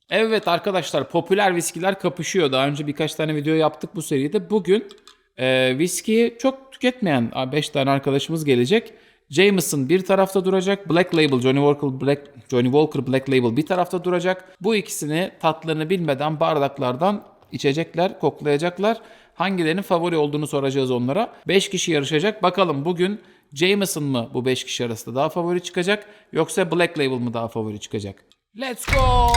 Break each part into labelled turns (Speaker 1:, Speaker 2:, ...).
Speaker 1: Evet arkadaşlar, popüler viskiler kapışıyor. Daha önce birkaç tane video yaptık bu seride. Bugün viskiyi çok tüketmeyen 5 tane arkadaşımız gelecek. Jameson bir tarafta duracak. Black Label, Johnny Walker Black Label bir tarafta duracak. Bu ikisini tatlarını bilmeden bardaklardan içecekler, koklayacaklar. Hangilerinin favori olduğunu soracağız onlara. 5 kişi yarışacak. Bakalım bugün Jameson mı bu 5 kişi arasında daha favori çıkacak, yoksa Black Label mı daha favori çıkacak? Let's go!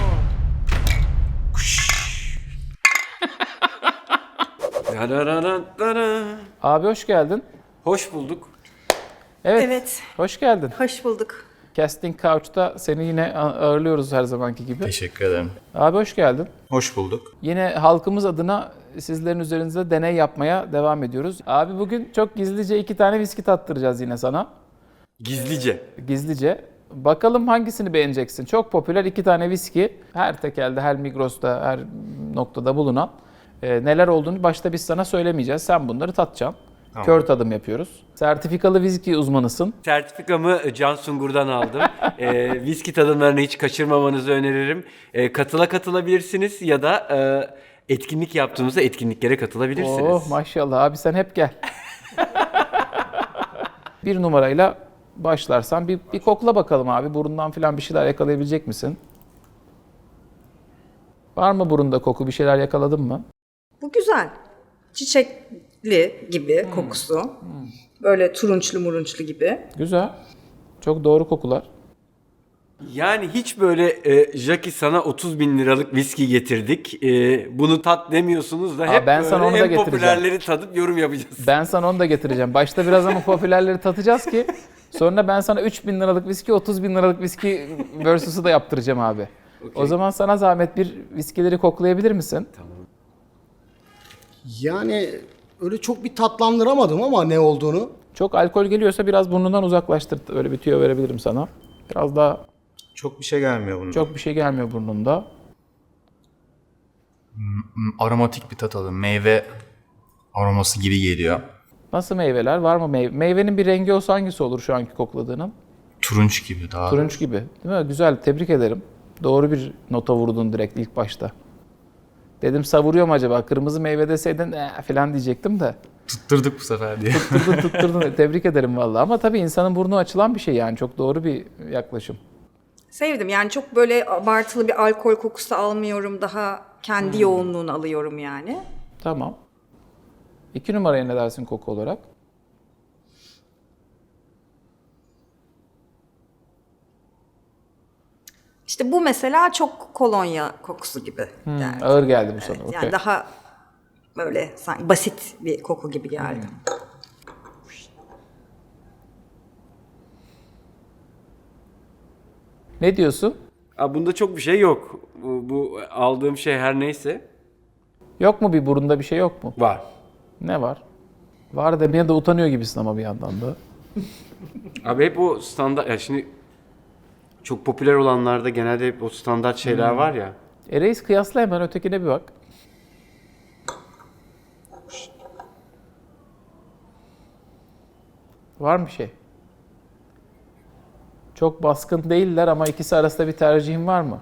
Speaker 1: Abi hoş geldin.
Speaker 2: Hoş bulduk.
Speaker 1: Evet,
Speaker 3: Evet.
Speaker 1: hoş geldin.
Speaker 3: Hoş bulduk.
Speaker 1: Casting Couch'ta seni yine ağırlıyoruz her zamanki gibi.
Speaker 4: Teşekkür ederim.
Speaker 1: Abi hoş geldin.
Speaker 4: Hoş bulduk.
Speaker 1: Yine halkımız adına sizlerin üzerinizde deney yapmaya devam ediyoruz. Abi bugün çok gizlice 2 tane viski tattıracağız yine sana.
Speaker 2: Gizlice.
Speaker 1: Gizlice. Bakalım hangisini beğeneceksin. Çok popüler 2 tane viski. Her tekelde, her Migros'ta, her noktada bulunan. Neler olduğunu başta biz sana söylemeyeceğiz. Sen bunları tatacaksın.
Speaker 4: Tamam.
Speaker 1: Kör tadım yapıyoruz. Sertifikalı viski uzmanısın.
Speaker 2: Sertifikamı Can Sungur'dan aldım. Viski tadımlarını hiç kaçırmamanızı öneririm. Katılabilirsiniz ya da etkinlik yaptığımızda etkinliklere katılabilirsiniz.
Speaker 1: Oh maşallah abi, sen hep gel. Bir numarayla başlarsan bir kokla bakalım abi. Burundan falan bir şeyler yakalayabilecek misin? Var mı burunda koku? Bir şeyler yakaladın mı?
Speaker 3: Bu güzel. Çiçekli gibi kokusu. Böyle turunçlu murunçlu gibi.
Speaker 1: Güzel. Çok doğru kokular.
Speaker 2: Yani hiç böyle Jackie sana 30 bin liralık viski getirdik. Bunu tat demiyorsunuz da hep
Speaker 1: ben sana
Speaker 2: böyle
Speaker 1: onu da
Speaker 2: en
Speaker 1: getireceğim.
Speaker 2: popülerleri tadıp yorum yapacağız.
Speaker 1: Ben sana onu da getireceğim. Başta biraz ama popülerleri tatacağız ki sonra ben sana 3.000 liralık viski, 30.000 liralık viski versus'u da yaptıracağım abi.
Speaker 2: Okay.
Speaker 1: O zaman sana zahmet bir viskileri koklayabilir misin?
Speaker 5: Yani öyle çok bir tatlandıramadım ama ne olduğunu.
Speaker 1: Çok alkol geliyorsa biraz burnundan uzaklaştır. Öyle bir tüyo verebilirim sana. Biraz daha
Speaker 4: Çok bir şey gelmiyor bunun.
Speaker 1: çok bir şey gelmiyor burnunda.
Speaker 4: Aromatik bir tat alıyorum. Meyve aroması gibi geliyor.
Speaker 1: Nasıl meyveler? Var mı meyve? Meyvenin bir rengi olsa hangisi olur şu anki kokladığının?
Speaker 4: Turunç gibi daha.
Speaker 1: Turunç gibi. Değil mi? Güzel. Tebrik ederim. Doğru bir nota vurdun direkt ilk başta. Dedim savuruyor mu acaba? Kırmızı meyve deseydin falan diyecektim de.
Speaker 4: Tutturduk bu sefer diye.
Speaker 1: Tutturdun. Tebrik ederim vallahi. Ama tabii insanın burnu açılan bir şey yani. Çok doğru bir yaklaşım.
Speaker 3: Sevdim. Yani çok böyle abartılı bir alkol kokusu almıyorum. Daha kendi yoğunluğunu alıyorum yani.
Speaker 1: Tamam. 2 numaraya ne dersin koku olarak?
Speaker 3: İşte bu mesela çok kolonya kokusu gibi geldi.
Speaker 1: Ağır geldi bu sana.
Speaker 3: Yani
Speaker 1: okey.
Speaker 3: daha böyle sanki basit bir koku gibi geldi.
Speaker 1: Ne diyorsun?
Speaker 2: Bunda çok bir şey yok. Bu aldığım şey her neyse
Speaker 1: Yok mu bir burunda bir şey yok mu?
Speaker 2: var.
Speaker 1: Ne var? Var demeye de utanıyor gibisin ama bir yandan da.
Speaker 2: Abi hep o standart, ya şimdi çok popüler olanlarda genelde hep o standart şeyler var ya.
Speaker 1: Reis kıyasla hemen ötekine bir bak. Var mı bir şey? Çok baskın değiller ama ikisi arasında bir tercihin var mı?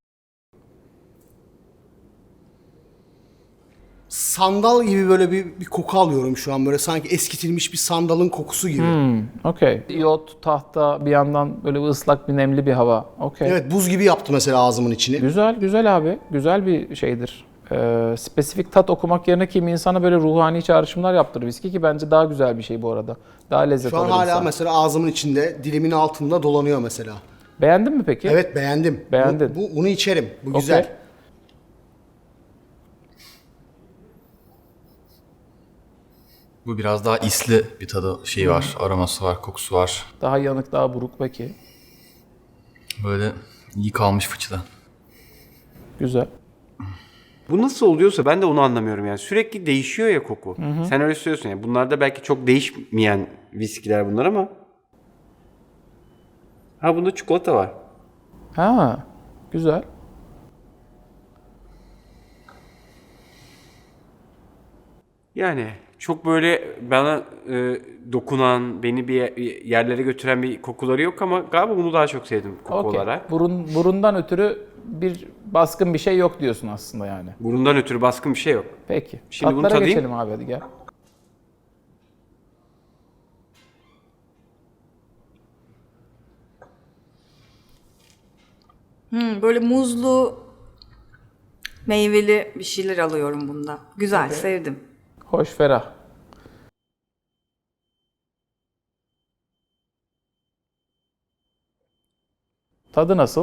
Speaker 5: Sandal gibi böyle bir koku alıyorum şu an. Böyle sanki eskitilmiş bir sandalın kokusu gibi.
Speaker 1: Okey. İyot, tahta, bir yandan böyle bir ıslak bir nemli bir hava. Okey.
Speaker 5: Evet, buz gibi yaptı mesela ağzımın içini.
Speaker 1: Güzel, güzel abi. Güzel bir şeydir. Spesifik tat okumak yerine kimi insana böyle ruhani çağrışımlar yaptırır viski, ki bence daha güzel bir şey bu arada. Daha lezzet
Speaker 5: Şu an
Speaker 1: alır
Speaker 5: hala
Speaker 1: insan.
Speaker 5: mesela ağzımın içinde, dilimin altında dolanıyor mesela.
Speaker 1: Beğendin mi peki?
Speaker 5: Evet, beğendim.
Speaker 1: Beğendin.
Speaker 5: Bunu içerim. Bu güzel.
Speaker 1: Okey.
Speaker 4: Bu biraz daha isli bir tadı şeyi var. Aroması var, kokusu var.
Speaker 1: Daha yanık, daha buruk peki.
Speaker 4: Böyle iyi kalmış fıçıdan.
Speaker 1: Güzel.
Speaker 2: Bu nasıl oluyorsa ben de onu anlamıyorum yani. Sürekli değişiyor ya koku. Sen öyle söylüyorsun yani. Bunlarda belki çok değişmeyen viskiler bunlar ama. Bunda çikolata var.
Speaker 1: Ha, güzel.
Speaker 2: Yani çok böyle bana dokunan, beni bir yerlere götüren bir kokuları yok ama galiba bunu daha çok sevdim koku
Speaker 1: Okey.
Speaker 2: olarak.
Speaker 1: Burundan ötürü bir baskın bir şey yok diyorsun aslında yani.
Speaker 2: Burundan ötürü baskın bir şey yok.
Speaker 1: Peki.
Speaker 2: Şimdi bunu
Speaker 1: Tatlara
Speaker 2: tadayım.
Speaker 1: geçelim abi, hadi gel.
Speaker 3: Böyle muzlu, meyveli bir şeyler alıyorum bunda. Güzel, sevdim.
Speaker 1: Hoş, ferah. Tadı nasıl?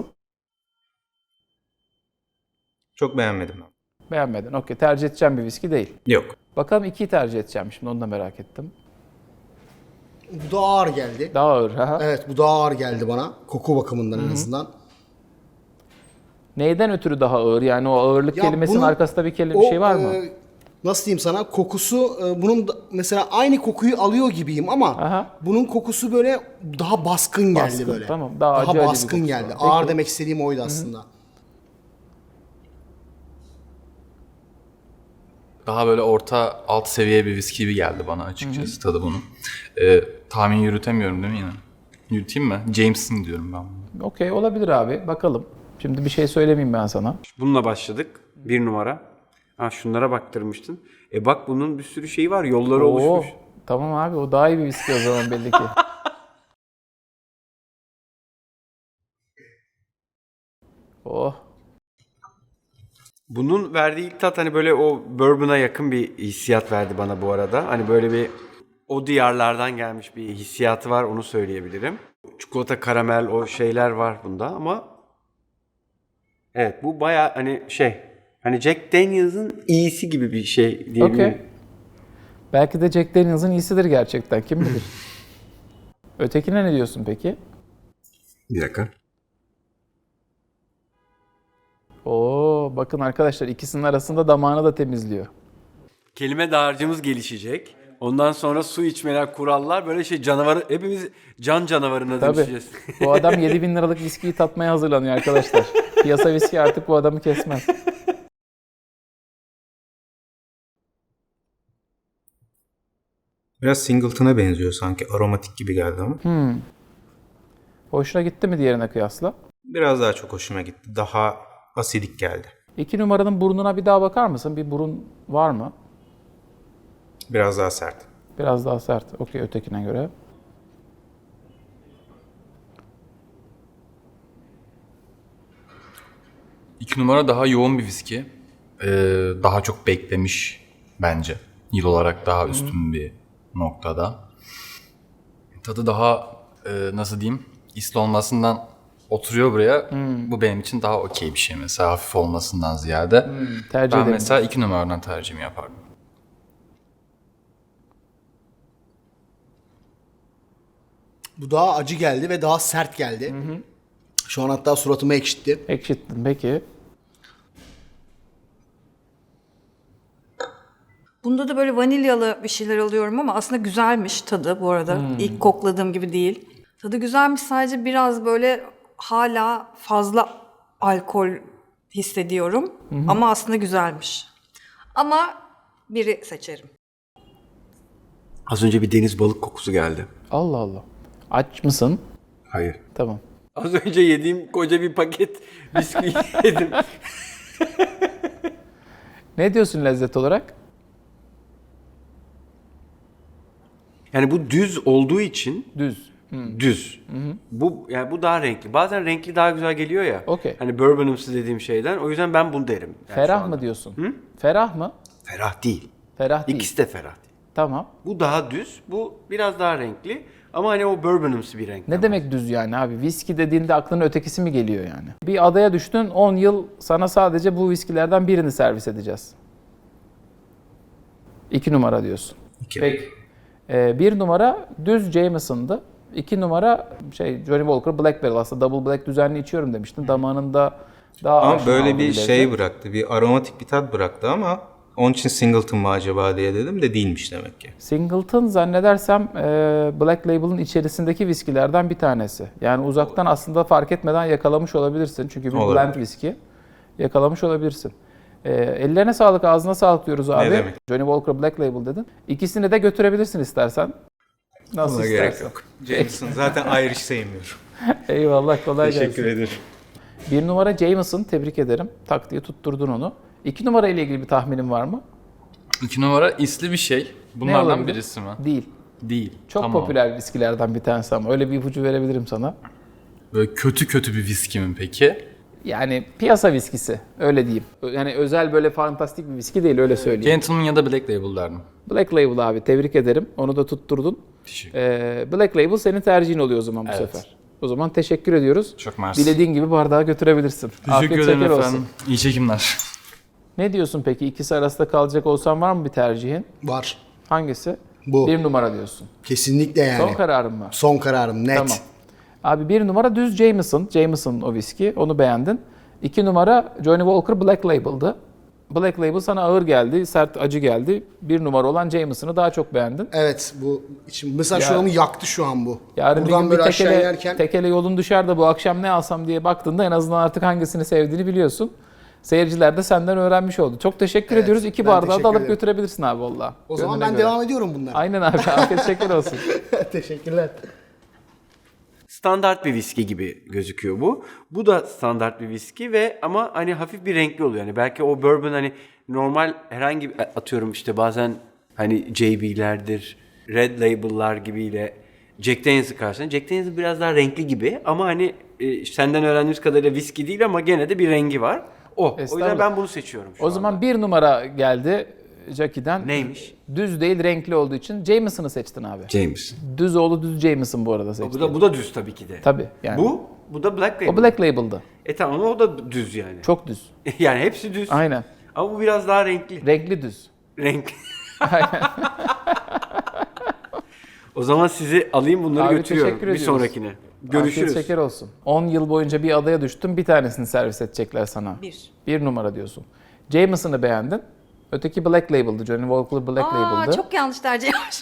Speaker 6: Çok beğenmedim ben.
Speaker 1: Beğenmedin. Okey. Tercih edeceğim bir viski değil.
Speaker 6: Yok.
Speaker 1: Bakalım 2'yi tercih edeceğim şimdi, onu da merak ettim.
Speaker 5: Bu da ağır geldi.
Speaker 1: Daha ağır. Ha.
Speaker 5: Evet, bu daha ağır geldi bana. Koku bakımından en azından.
Speaker 1: Neyden ötürü daha ağır? Yani o ağırlık
Speaker 5: Ya
Speaker 1: kelimesinin
Speaker 5: bunun-
Speaker 1: arkasında bir şey var mı?
Speaker 5: Nasıl diyeyim sana? Kokusu bunun mesela aynı kokuyu alıyor gibiyim ama
Speaker 1: Aha.
Speaker 5: bunun kokusu böyle daha baskın geldi
Speaker 1: Baskın,
Speaker 5: böyle.
Speaker 1: tamam. Daha acı acı bir
Speaker 5: baskın
Speaker 1: kokusu
Speaker 5: geldi.
Speaker 1: var.
Speaker 5: Ağır
Speaker 1: Peki.
Speaker 5: demek istediğim oydu aslında.
Speaker 4: Daha böyle orta alt seviye bir viski gibi geldi bana açıkçası tadı bunun. Tahmin yürütemiyorum değil mi yine? Yürüteyim mi? Jameson diyorum ben bunu.
Speaker 1: Okey, olabilir abi. Bakalım. Şimdi bir şey söylemeyeyim ben sana.
Speaker 2: Bununla başladık. 1 numara. Ha, şunlara baktırmıştın. Bak bunun bir sürü şeyi var. Yolları oluşmuş.
Speaker 1: Tamam abi, o daha iyi bir viski o zaman belli ki. Oh.
Speaker 2: Bunun verdiği ilk tat hani böyle o bourbon'a yakın bir hissiyat verdi bana bu arada. Hani böyle bir o diyarlardan gelmiş bir hissiyatı var, onu söyleyebilirim. Çikolata, karamel o şeyler var bunda ama evet bu baya hani hani Jack Daniels'ın iyisi gibi bir şey diyebilirim.
Speaker 1: Okey. Belki de Jack Daniels'ın iyisidir gerçekten. Kim bilir? Ötekine ne diyorsun peki?
Speaker 6: Bir dakika.
Speaker 1: Oo, bakın arkadaşlar, ikisinin arasında damağını da temizliyor.
Speaker 2: Kelime dağarcığımız gelişecek. Ondan sonra su içmeler, kurallar böyle canavarı, hepimiz can canavarına
Speaker 1: Tabii.
Speaker 2: dönüşeceğiz.
Speaker 1: Bu adam 7.000 liralık viskiyi tatmaya hazırlanıyor arkadaşlar. Piyasa viski artık bu adamı kesmez.
Speaker 6: Biraz Singleton'a benziyor sanki. Aromatik gibi geldi ama.
Speaker 1: Hoşuna gitti mi diğerine kıyasla?
Speaker 6: Biraz daha çok hoşuma gitti. Daha asidik geldi.
Speaker 1: 2 numaranın burnuna bir daha bakar mısın? Bir burun var mı?
Speaker 6: Biraz daha sert.
Speaker 1: Biraz daha sert. Okey, ötekine göre.
Speaker 4: İki numara daha yoğun bir viski. Daha çok beklemiş bence. Yıl olarak daha üstün bir noktada. Tadı daha nasıl diyeyim? İsli olmasından oturuyor buraya. Bu benim için daha okey bir şey mesela, hafif olmasından ziyade.
Speaker 1: Tercih
Speaker 4: Ben
Speaker 1: ederim.
Speaker 4: mesela 2 numaradan tercihimi yapardım.
Speaker 5: Bu daha acı geldi ve daha sert geldi. Şu an hatta suratımı ekşitti.
Speaker 1: Ekşittin peki.
Speaker 3: Bunda da böyle vanilyalı bir şeyler alıyorum ama aslında güzelmiş tadı bu arada. İlk kokladığım gibi değil. Tadı güzelmiş, sadece biraz böyle hala fazla alkol hissediyorum. Ama aslında güzelmiş. Ama biri seçerim.
Speaker 2: Az önce bir deniz balık kokusu geldi.
Speaker 1: Allah Allah. Aç mısın?
Speaker 2: Hayır.
Speaker 1: Tamam.
Speaker 2: Az önce yediğim koca bir paket bisküvi yedim.
Speaker 1: Ne diyorsun lezzet olarak?
Speaker 2: Yani bu düz olduğu için
Speaker 1: Düz.
Speaker 2: düz. Bu yani bu daha renkli. Bazen renkli daha güzel geliyor ya.
Speaker 1: Okey.
Speaker 2: Hani bourbonumsu dediğim şeyden. O yüzden ben bunu derim. Yani şu
Speaker 1: Ferah
Speaker 2: anda.
Speaker 1: mı diyorsun? Ferah mı?
Speaker 2: Ferah değil.
Speaker 1: Ferah değil.
Speaker 2: İkisi de ferah değil.
Speaker 1: Tamam.
Speaker 2: Bu daha düz, bu biraz daha renkli. Ama hani o bourbonumsu bir renk.
Speaker 1: Ne demek düz yani abi? Viski dediğinde aklına ötekisi mi geliyor yani? Bir adaya düştün, 10 yıl sana sadece bu viskilerden birini servis edeceğiz. 2 numara diyorsun.
Speaker 6: İki.
Speaker 1: Peki. 1 numara düz Jameson'dı. 2 numara Johnny Walker Black Barrel. Aslında Double Black düzenli içiyorum demiştin. Damağında daha
Speaker 6: Ama
Speaker 1: aşina
Speaker 6: böyle
Speaker 1: olduğu
Speaker 6: bir
Speaker 1: lezzet.
Speaker 6: şey bıraktı. Bir aromatik bir tat bıraktı ama onun için Singleton mı acaba diye dedim de değilmiş demek ki.
Speaker 1: Singleton zannedersem Black Label'ın içerisindeki viskilerden bir tanesi. Yani uzaktan aslında fark etmeden yakalamış olabilirsin. Çünkü bir
Speaker 6: Olabilir.
Speaker 1: blend viski. Yakalamış olabilirsin. Ellerine sağlık, ağzına sağlık diyoruz abi.
Speaker 6: demek.
Speaker 1: Johnny Walker Black Label dedin. İkisini de götürebilirsin istersen. Nasıl
Speaker 6: Buna
Speaker 1: istersen.
Speaker 6: gerek yok. Jameson zaten Irish sevmiyorum.
Speaker 1: Eyvallah, kolay gelsin.
Speaker 6: Teşekkür ederim.
Speaker 1: 1 numara Jameson, tebrik ederim. Tak diye tutturdun onu. 2 numara ile ilgili bir tahminin var mı?
Speaker 4: 2 numara isli bir şey.
Speaker 1: Ne
Speaker 4: Bunlardan
Speaker 1: olabilir?
Speaker 4: birisi mi?
Speaker 1: Değil.
Speaker 4: Değil.
Speaker 1: Çok
Speaker 4: Tamam.
Speaker 1: popüler viskilerden bir tanesi ama öyle bir ipucu verebilirim sana.
Speaker 4: Böyle kötü bir viski mi peki?
Speaker 1: Yani piyasa viskisi, öyle diyeyim. Yani özel böyle fantastik bir viski değil, öyle söyleyeyim.
Speaker 4: Gentleman ya da Black Label derdim.
Speaker 1: Black Label abi, tebrik ederim. Onu da tutturdun.
Speaker 4: Teşekkür
Speaker 1: Black Label senin tercihin oluyor o zaman bu
Speaker 4: Evet.
Speaker 1: sefer. O zaman teşekkür ediyoruz.
Speaker 4: Çok mersi.
Speaker 1: Dilediğin gibi bardağı götürebilirsin.
Speaker 4: Teşekkür
Speaker 1: Afiyet
Speaker 4: ederim
Speaker 1: şeker
Speaker 4: efendim.
Speaker 1: olsun.
Speaker 4: İyi çekimler.
Speaker 1: Ne diyorsun peki? İkisi arasında kalacak olsan var mı bir tercihin?
Speaker 5: Var.
Speaker 1: Hangisi?
Speaker 5: Bu.
Speaker 1: 1 numara diyorsun.
Speaker 5: Kesinlikle yani.
Speaker 1: Son kararın mı?
Speaker 5: Son kararım net.
Speaker 1: Tamam. Abi 1 numara düz Jameson. Jameson o viski. Onu beğendin. 2 numara Johnny Walker Black Label'dı. Black Label sana ağır geldi, sert, acı geldi. 1 numara olan Jameson'ı daha çok beğendin.
Speaker 5: Evet bu için mesela
Speaker 1: Ya-
Speaker 5: şu an yaktı şu an bu.
Speaker 1: Yarın bir
Speaker 5: Buradan
Speaker 1: gün
Speaker 5: böyle
Speaker 1: bir
Speaker 5: aşağı
Speaker 1: tekele,
Speaker 5: inerken
Speaker 1: tekele yolun düşer de bu akşam ne alsam diye baktığında en azından artık hangisini sevdiğini biliyorsun. Seyirciler de senden öğrenmiş oldu. Çok teşekkür ediyoruz. 2
Speaker 5: ben
Speaker 1: bardağı da
Speaker 5: teşekkür
Speaker 1: alıp
Speaker 5: ederim.
Speaker 1: götürebilirsin abi valla.
Speaker 5: o zaman
Speaker 1: Gönlüne
Speaker 5: ben
Speaker 1: göre.
Speaker 5: devam ediyorum bunlara.
Speaker 1: Aynen abi. Afiyet şeker olsun.
Speaker 5: Teşekkürler.
Speaker 2: Standart bir viski gibi gözüküyor bu. Bu da standart bir viski ve ama hani hafif bir renkli oluyor. Yani belki o bourbon hani normal herhangi bir atıyorum işte bazen hani JB'lerdir, Red Label'lar gibiyle Jack Daniels'ı karşılayın. Jack Daniels biraz daha renkli gibi ama hani senden öğrendiğimiz kadarıyla viski değil ama gene de bir rengi var. O yüzden
Speaker 1: Estağfurullah.
Speaker 2: ben bunu seçiyorum şu
Speaker 1: O zaman
Speaker 2: anda.
Speaker 1: 1 numara geldi Jackie'den.
Speaker 2: Neymiş?
Speaker 1: Düz değil, renkli olduğu için Jameson'ı seçtin abi.
Speaker 2: James.
Speaker 1: Düz oğlu düz Jameson bu arada seçtin.
Speaker 2: Bu da düz tabii ki de.
Speaker 1: Tabii yani.
Speaker 2: Bu da Black Label.
Speaker 1: O Black Label'dı.
Speaker 2: Tamam o da düz yani.
Speaker 1: Çok düz.
Speaker 2: Yani hepsi düz.
Speaker 1: Aynen.
Speaker 2: Ama bu biraz daha renkli.
Speaker 1: Renkli düz.
Speaker 2: Renk. O zaman sizi alayım bunları
Speaker 1: Abi
Speaker 2: götürüyorum
Speaker 1: teşekkür
Speaker 2: bir
Speaker 1: ediyoruz.
Speaker 2: sonrakine.
Speaker 1: Afiyet
Speaker 2: Görüşürüz.
Speaker 1: şeker olsun. 10 yıl boyunca bir adaya düştün, bir tanesini servis edecekler sana.
Speaker 3: 1.
Speaker 1: 1 numara diyorsun. Jameson'ı beğendin. Öteki Black Label'dı. Johnny Walker Black Label'dı.
Speaker 3: Çok yanlış tercih yapmış.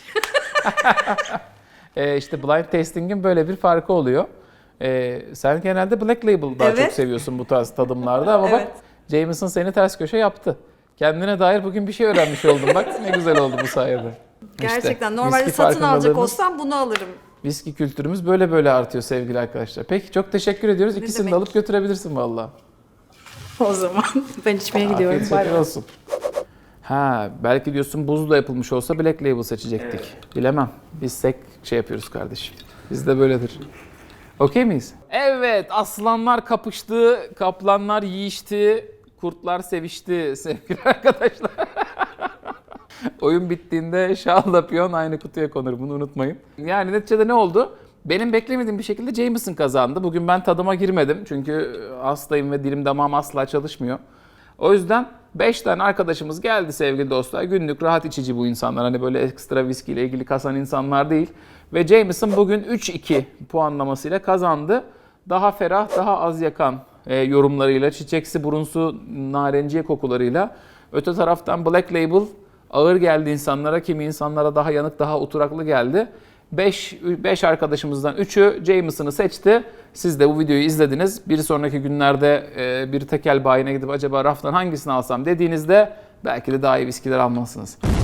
Speaker 1: İşte blind tasting'in böyle bir farkı oluyor. Sen genelde Black Label daha
Speaker 3: Evet.
Speaker 1: çok seviyorsun bu tarz tadımlarda ama bak
Speaker 3: Evet.
Speaker 1: Jameson seni ters köşe yaptı. Kendine dair bugün bir şey öğrenmiş oldun. Bak ne güzel oldu bu sayede.
Speaker 3: Gerçekten
Speaker 1: İşte,
Speaker 3: normalde
Speaker 1: viski
Speaker 3: satın alacak
Speaker 1: farkındalarınız-
Speaker 3: olsam bunu alırım.
Speaker 1: Viski kültürümüz böyle artıyor sevgili arkadaşlar. Peki çok teşekkür ediyoruz. İkisini de
Speaker 3: demek.
Speaker 1: alıp götürebilirsin valla.
Speaker 3: O zaman ben içmeye gidiyorum.
Speaker 1: Afiyet
Speaker 3: Bay
Speaker 1: şeker
Speaker 3: bay.
Speaker 1: olsun. Ha belki diyorsun buzla yapılmış olsa Black Label seçecektik. Bilemem. Biz tek şey yapıyoruz kardeşim. Bizde böyledir. Okey miyiz? Evet, aslanlar kapıştı, kaplanlar yiyişti, kurtlar sevişti sevgili arkadaşlar. Oyun bittiğinde şahla piyon aynı kutuya konur, bunu unutmayın. Yani neticede ne oldu? Benim beklemediğim bir şekilde Jameson kazandı. Bugün ben tadıma girmedim çünkü hastayım ve dilim damağım asla çalışmıyor. O yüzden 5 tane arkadaşımız geldi sevgili dostlar. Günlük rahat içici bu insanlar. Hani böyle ekstra viskiyle ilgili kasan insanlar değil. Ve Jameson bugün 3-2 puanlamasıyla kazandı. Daha ferah, daha az yakan yorumlarıyla, çiçeksi, burunsu, narenciye kokularıyla. Öte taraftan Black Label ağır geldi insanlara. Kimi insanlara daha yanık, daha oturaklı geldi. 5 arkadaşımızdan 3'ü Jameson'ı seçti. Siz de bu videoyu izlediniz. Bir sonraki günlerde bir tekel bayine gidip acaba raftan hangisini alsam dediğinizde belki de daha iyi viskiler almalısınız.